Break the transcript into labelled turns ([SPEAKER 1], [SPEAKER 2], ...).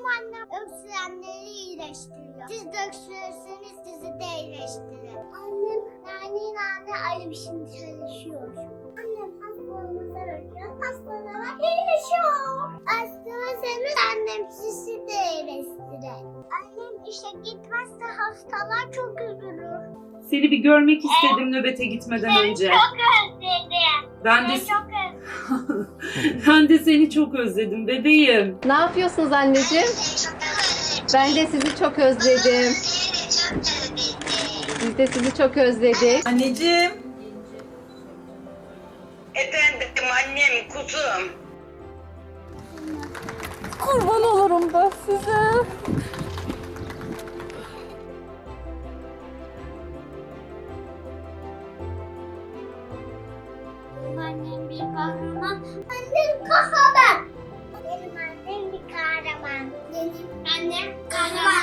[SPEAKER 1] annem öksürenleri iyileştiriyor. Siz de öksürürseniz sizi de iyileştirir. Annem nane ayrı bir şey çalışıyor. Annem hastalarımıza bakıyor. Hastalara iyileşiyor. Hastalığınız annem sizi de iyileştirir. Annem işe gitmezse hastalar çok üzülür.
[SPEAKER 2] Seni bir görmek istedim nöbete gitmeden önce.
[SPEAKER 1] Çok özledim.
[SPEAKER 2] Ben de
[SPEAKER 1] Çok özledim.
[SPEAKER 2] ben de seni çok özledim bebeğim.
[SPEAKER 3] Ne yapıyorsunuz anneciğim? Ben de sizi çok özledim. Biz de sizi çok özledik.
[SPEAKER 4] Anneciğim.
[SPEAKER 5] Efendim annem kuzum.
[SPEAKER 3] Kurban olurum ben size.
[SPEAKER 1] Annem bir kahraman. Annem kahraman. Benim annem bir kahraman. Benim annem kahraman.